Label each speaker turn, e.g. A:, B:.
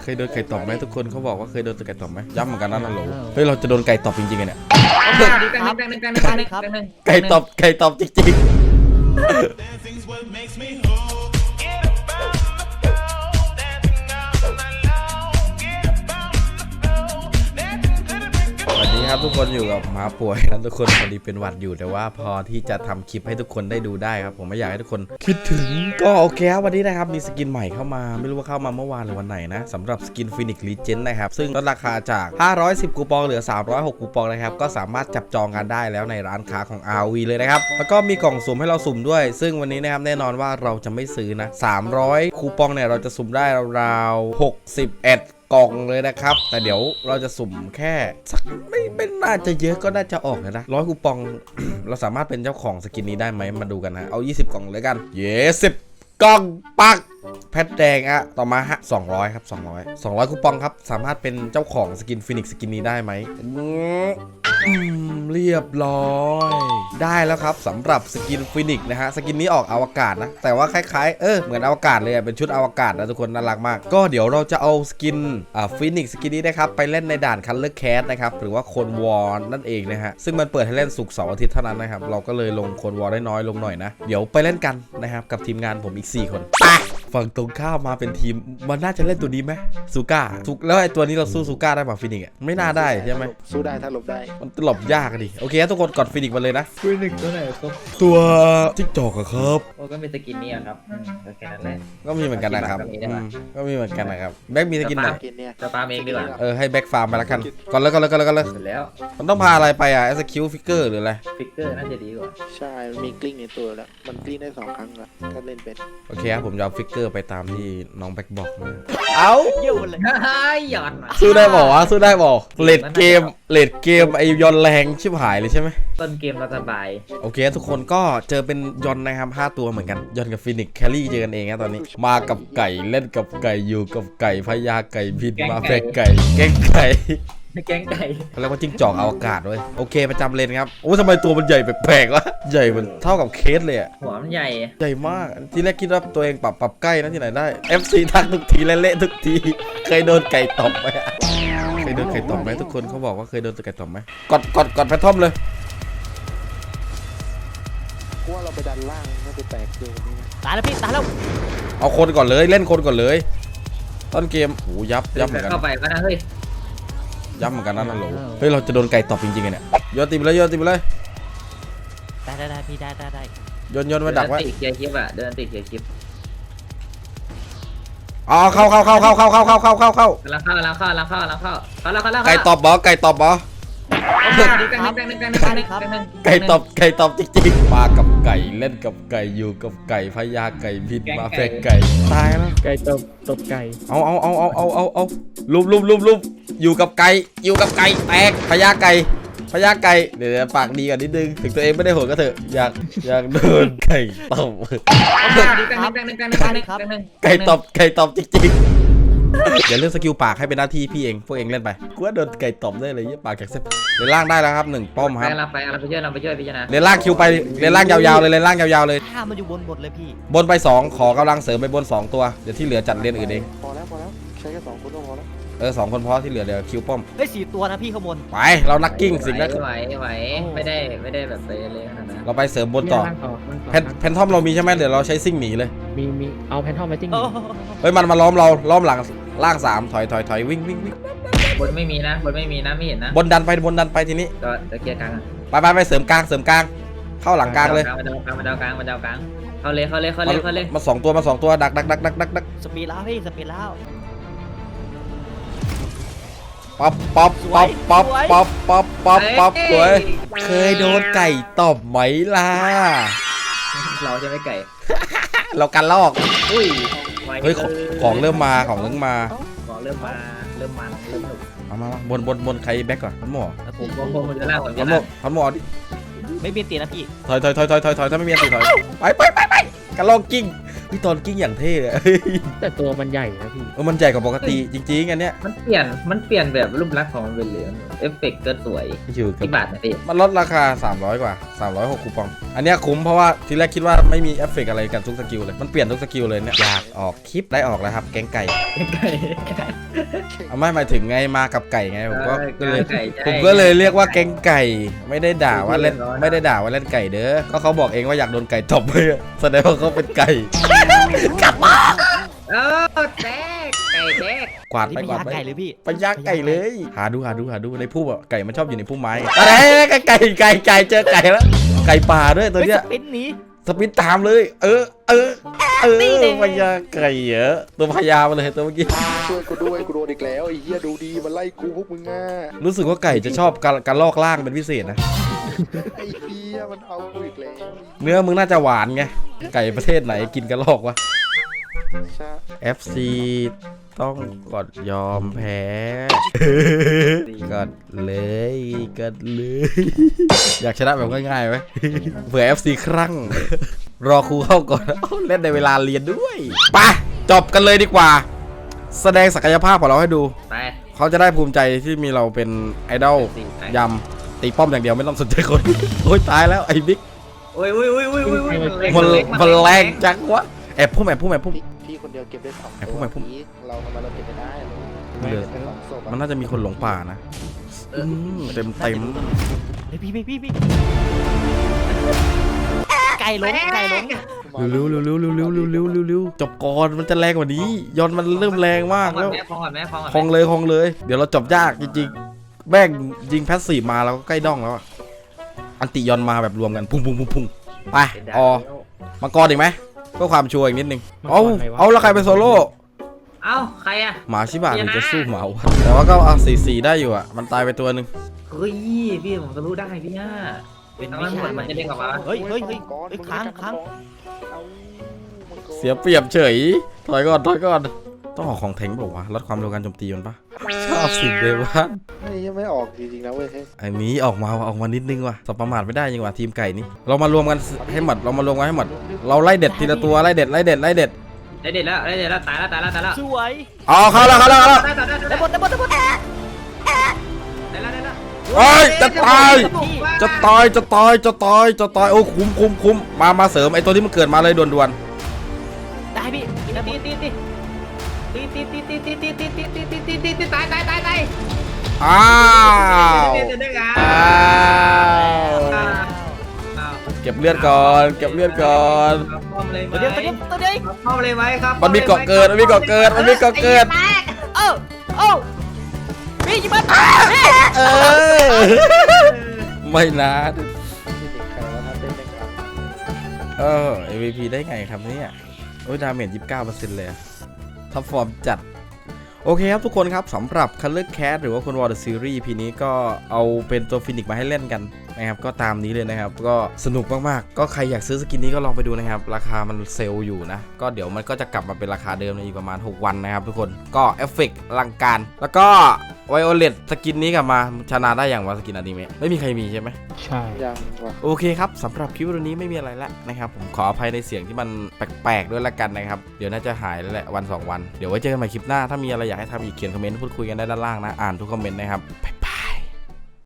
A: เคยโดนไก่ตบไหมทุกคนเขาบอกว่าเคยโดนไก่ตบไหมย้ำเหมือนกันนะโหลเฮ้ยเราจะโดนไก่ตบจริงๆเนี่ยไก่ตบจริงๆวันนี้ครับทุกคนอยู่กับหมาป่วยนะทุกคนพอดีเป็นหวัดอยู่แต่ว่าพอที่จะทำคลิปให้ทุกคนได้ดูได้ครับผมไม่อยากให้ทุกคนคิดถึงก็โอเคครับวันนี้นะครับมีสกินใหม่เข้ามาไม่รู้ว่าเข้ามาเมื่อวานหรือวันไหนนะสำหรับสกินฟินิกซ์ลีเจนด์นะครับซึ่งลดราคาจาก510คูปองเหลือ306คูปองนะครับก็สามารถจับจองกันได้แล้วในร้านค้าของ RV เลยนะครับแล้วก็มีกล่องสุ่มให้เราสุ่มด้วยซึ่งวันนี้นะครับแน่นอนว่าเราจะไม่ซื้อนะ300คูปองเนี่ยเราจะสุ่มได้ราวๆ61กล่องเลยนะครับแต่เดี๋ยวเราจะสุ่มแค่สักไม่น่าจะเยอะก็น่าจะออกนะ100คูปอง เราสามารถเป็นเจ้าของสกินนี้ได้ไหมมาดูกันนะเอา20กล่องเลยกัน10กล่องปักแพทแดงอะต่อมาฮะ200ครับ200คูปองครับสามารถเป็นเจ้าของสกินฟินิกซ์สกินนี้ได้ไหมเรียบร้อยได้แล้วครับสำหรับสกินฟินิกซ์นะฮะสกินนี้ออกอวกาศนะแต่ว่าคล้ายๆเหมือนอวกาศเลยเป็นชุดอวกาศนะทุกคนน่ารักมากก็เดี๋ยวเราจะเอาสกินฟินิกซ์สกินนี้นะครับไปเล่นในด่านคัลเลอร์แคสนะครับหรือว่าโคนวอร์นั่นเองนะฮะซึ่งมันเปิดให้เล่นศุกร์เสาร์อาทิตย์เท่านั้นนะครับเราก็เลยลงโคนวอร์ได้น้อยลงหน่อยนะเดี๋ยวไปเล่นกันนะครับกับทีมงานผมอีก4คนไปฝั่งตรงข้ามมาเป็นทีมมันน่าจะเล่นตัวนี้ไหมซูก้าแล้วไอ้ตัวนี้เราสู้ซูก้าได้ป่ะฟินิกซ์ไม่น่าได้ใช่ไหม
B: สู้ได้ถ้าหลบได้
A: มันหลบยากดิโอเคทุกคนกดฟินิกซ์มาเลยนะ
C: ฟินิกตัวไหนครับ
A: ตัวจิ๊กจอกอะครับ
C: โอ้ก็มีสกินนี่ครับแค่นั้นแหละ
A: ก็มีเหมือนกันนะครับก็มีเหมือนกันนะครับแบ็กมีสกินไหน
B: กินเนี่ย
C: จะฟาร์มเองดีกว่า
A: ให้แบ็กฟาร์มไปแล้วกันก่อนเลย
C: เสร็จแล้ว
A: มันต้องพาอะไรไปอ่ะ SQ ฟิกเกอร์หรืออะไร
C: ฟิกเกอร์น่าจะดีกว่า
B: ใช่มันมีกลิ้งในตัวแล้วมันกลิ้งได้2 ครั้งแล้วถ้าเล่นเป็น
A: โอเคครับผมจะเอาฟิกเกอร์ไปตามที่น้องแบ็กบอกนะเอา
C: เยี่ยวเลยหย่อน
A: สู้ได้บอกวะสู้ได้บอกเลดเกมไอยอนแรงชิบหายเลยใช่ไหม
C: ต้นเกมเราสบาย
A: โอเคทุกคนก็เจอเป็นยอนนะครับ5ตัวเหมือนกันยอนกับฟินิกแคลรี่เจอกันเองนะตอนนี้มากับไก่เล่นกับไก่อยู่กับไก่พญาไก่พินมาแฝกไก่แก๊งไก่
C: แกงไก่
A: เขาเรียกว่าจิ้งจอกอวกาศด้วยโอเคประจำเลนครับโอ้ทำไมตัวมันใหญ่แปลกๆวะใหญ่มันเท่ากับเคสเลยอะ
C: หัวมันใหญ่
A: ใหญ่มากที่แรกคิดว่าตัวเองปรับใกล้นะที่ไหนได้ FC ทักทุกทีเละๆทุกทีเคยโดนไก่ตบไหมเคยโดนไก่ตบไหมทุกคนเขาบอกว่าเคยโดนไก่ตบไหมกดแพททอมเลย
B: กูว่าเราไปดันล่างน่าจะแตกเกินนี้นะ
D: ตายแล้วพี่ตายแล้ว
A: เอาคนก่อนเลยเล่นคนก่อนเลยต้นเกมโอ้ยับเหมือนกัน
C: เข้าไปก็นะเฮ้ย
A: ยับเหมือนกันนะโหลเฮ้ยเราจะโดนไก่ตบจริงๆเนี่ยโยนตีไปเลย
D: ได้พี่ได้
A: โยนไว้ดักไว้
C: ติดเกียร์คลิปอะเดินติดเกียร์คลิป
A: อ๋อเข้าก
C: ำ
A: ำ
C: ลังเข้า
A: ไก่ตบบอไก่ตบบอไก่ตบจริงๆมากับไก่เล่นกับไก่อยู่กับไก่พญาไก่พินมาแฝกไก่ตายแล้ว
C: ไก่ตบไก่
A: เอาลุมอยู่กับไก่แตกพญาไก่เดี๋ยวปากดีกันนิดนึงถึงตัวเองไม่ได้โหดก็เถอะอยากโดนไก่ตบไก่ตบจริงๆอย่าเลือกสกิลปากให้เป็นหน้าที่พี่เองพวกเองเล่นไปกูว่าโดนไก่ตบได้เลยยี่ปากแข็งเส้นเลนล่างได้แล้วครับ1ป้อมครับ
C: เราไปช่วยพิจารณา
A: เลนล่างคิวไปเลนล่างยาวๆเลยเลนล่างยาวๆเลย
D: ข้ามันอยู่บนเลยพี่
A: บนไป2ขอกำลังเสริมไปบน2ตัวเดี๋ยวที่เหลือจัดเลนอื่นเอง
B: พอแล้วใช้แค่2 คนก็พอแล้ว
A: 2คนพอที่เหลือเดี๋ยวคิวป้อม
D: ได้4 ตัวนะพี่ข้างบน
A: ไปเรานักกิ้งสิ่งนั้น
C: ไหวไม่ได้แบบไปเลยขนาดนั้น
A: เราไปเสริมบนต่อแพนทอมเรามีใช่ไหมเดี๋ยวเราใช้ซิ่งหนีเลย
E: มีเอาแพนทอมไปจิ้ง
A: เฮ้ยมันมาล้อมหลังล่าง3ถอยวิ่ง
C: บนไม่มีนะไม่เห็นนะ
A: บนดันไปทีนี้
C: ก็จะเกียร์กลาง
A: ไปเสริมกลางเข้าหลังกลางเลย
C: มาดาวกลางเข้าเลย
A: มา2ตัวดัก
D: สปีดแล้วพี่สปีดแล้ว
A: ป๊อปสวยเคยโดนไก่ตบไหมล่ะ
C: เราจะไม่ไก่
A: เรากันลอก
C: อุ้ย
A: เฮ้ยของเริ่มมาของเริ่มมา
C: ของเริ่มหนุก
A: เอามาบนใครแบ็กก่อนพันหมอ
C: ผมจะล่าผมจะ
A: พันหมอดิ
D: ไม่เปลี่ยนตีนะพี่
A: ถอยถ้าไม่มีอันตีถอยไปกันลอกกิ้งพี่ตอนกิ้งอย่างเท่เลย
E: แต่ตัวมันใหญ่นะพี่
A: มันใหญ่กว่าปกติจริงๆอันเนี้ย
C: มันเปลี่ยนแบบรูปลักษณ์ของมันเป็นเหลืองเอฟเฟกต์ก็สวย
A: อยู่กับ
C: กี่บาทนะพี่
A: มันลดราคา300กว่า306คูปองอันเนี้ยคุ้มเพราะว่าทีแรกคิดว่าไม่มีเอฟเฟกต์อะไรกันทุกสกิลเลยมันเปลี่ยนทุกสกิลเลยเนี่ยอยากออกคลิปได้ออกแล้วครับแกงไก่
C: ไก่
A: เอาไม่หมายถึงไงมากับไก่ไงผมก็เลย
C: ไก่ใช่
A: ผมก็เลยเรียกว่าแกงไก่ไม่ได้ด่าว่าเล่น
C: ร้อนๆ
A: ไม่ได้ด่าว่าเล่นไก่เด้อก็เขาบอกเองว่าอยากโดนไก่ตบไปอะแสดงว่าเขาเป็นไก่
C: เออแตกไก่แตก
A: กวาด
D: นี่
A: ไป
D: ไม่
A: กวาด
D: ยาก
A: ไป
D: ไก่เลยพี่
A: ไปยักไก่เลยหาดูในพุ่มอะไก่มันชอบอยู่ในพุ่มไม้อะไรไก่เจอไก่แล้วไก่ป่าด้วยตัว
D: เฮ้ย
A: เนี้ย
D: สปินหนี
A: สปินตามเลย พญาไก่เหรอตัวพญามาเลยตัวเมื่อกี้
B: ช่วยกูด้วยกูโดนอีกแล้วไอ้เหี้ยดูดีมันไล่กูพวกมึงอ่ะ
A: รู้สึกว่าไก่จะชอบการลอกล่างเป็นพิเศษนะ
B: ไอ้เหี้ยมันเอากูอีกแล้ว
A: เนื้อมึงน่าจะหวานไงไก่ประเทศไหนกินกระลอกวะ
B: ใช่
A: FC ต้องกดยอมแพ้กดเลยอยากชนะแบบง่ายๆไหมเผื่อ FC ครั่งรอครูเข้าก่อนเล่นในเวลาเรียนด้วยไปจบกันเลยดีกว่า แสดงศักยภาพของเราให้ดู
C: ไป
A: เขาจะได้ภูมิใจที่มีเราเป็นไอดอลยำตีป้อมอย่างเดียวไม่ต้องสนใจคน โอ้ยตายแล้วไอ้บิ๊ก
C: โอ้ย
A: มันแรงจังวะแอบพุ่ม
B: พี่คนเดียวเก็บได้2
A: ไอ้พวกมันพวก
B: นี้เราทำไมเราเก็บไม่ได้
A: เหลือ
B: สองศพอะ
A: มันน่าจะมีคนหลงป่านะเต็ม
D: เฮ้ยพี่ไก่ล้ม
A: เร็วจบก่อนมันจะแรงกว่านี้ยอนมันเริ่มแรงมากแล้ว
C: ฟองก่อนแม่ฟองก่อน
A: คองเลย เดี๋ยวเราจบยากจริงๆแม่งยิงแพสซีฟมาแล้วก็ใกล้ด้องแล้วอะอันติยอนมาแบบรวมกันพุ่งไปมังกรอีกไหมเพื่อความชัวร์อีกนิดนึงเอาแล้วใครเป็นโซโล่
C: เอ้าใครอะ
A: หมาชิบะหรือจะสู้หมาวะแต่ว่าก็เอา4-4ได้อยู่อ่ะมันตายไปตัวหนึ่ง
C: เฮ้ยพี่ผมก็รู้ได้พี่ย่า
D: เป็น
C: น้ำ
D: วิ
C: มันหม
D: ชา
C: ดมันจะเด้งกลับมา
D: เฮ้ย
B: มังกร
D: ค้าง
B: เอามังกร
A: เสียเปรียบเฉยถอยก่อนต้องออกของแทงบอกว่าวะลดความเร็วการโจมตีมันปะชอบสิ่งเดียวว่า
B: นี่ยังไม่ออกจริงๆนะเว้ย
A: อันนี้ออกมานิดนึงว่ะสบประมาทไม่ได้ยังว่ะทีมไก่นี่เรามารวมกันให้หมดเราไล่เด็ดทีละตัวไล่เด็ด
C: ได้เด็ดแล้วตายแล้ว
D: สวย
A: อ๋อเข้าแล้ว
C: ได้
D: ได้หมด
C: แล้ว
A: โอ้ยจะตายโอ้คุ้มมาเสริมไอ้ตัวที่มันเกิดมาเลยด่วน
D: ได้พี่
C: ตีตาย
A: ๆอ้าว เก็บเลือดก่อน
C: ป้อมเลย
D: ตัวเดียว
C: ป้อมเลยไหมครับ
A: มันมีเกาะเกิด
D: เอ้าพี่ยิงมัน
A: ไม่นะ
B: ที่เด็กใครว่าถ้าเต้นแม่งอัพ
A: MVP ได้ไงครับเนี่ยโอ้ยดาเมจ 29% เลยท็อปฟอร์มจัดโอเคครับทุกคนครับสำหรับ Color Cat หรือว่าคนวอร์ดซีรีส์พีนี้ก็เอาเป็นตัวฟินิกมาให้เล่นกันนะครับก็ตามนี้เลยนะครับก็สนุกมากๆก็ใครอยากซื้อสกินนี้ก็ลองไปดูนะครับราคามันเซลล์อยู่นะก็เดี๋ยวมันก็จะกลับมาเป็นราคาเดิมในอีกประมาณ6วันนะครับทุกคนก็เอฟเฟกต์อลังการแล้วก็ไวโอเลตสกินนี้กลับมาชนะได้อย่างว่าสกินอนิเมะไม่มีใครมีใช่ไหม
E: ใช่
B: ยังว่ะ
A: โอเคครับสำหรับคลิปวันนี้ไม่มีอะไรแล้วนะครับผมขออภัยในเสียงที่มันแปลกๆด้วยละกันนะครับเดี๋ยวน่าจะหายแล้วแหละวัน2 วันเดี๋ยวไว้เจอกันใหม่คลิปหน้าถ้ามีอะไรอยากให้ทำอีกเขียนคอมเมนต์พูดคุยกันได้ด้านล่างนะอ่านทุกคอมเมนต์นะครับ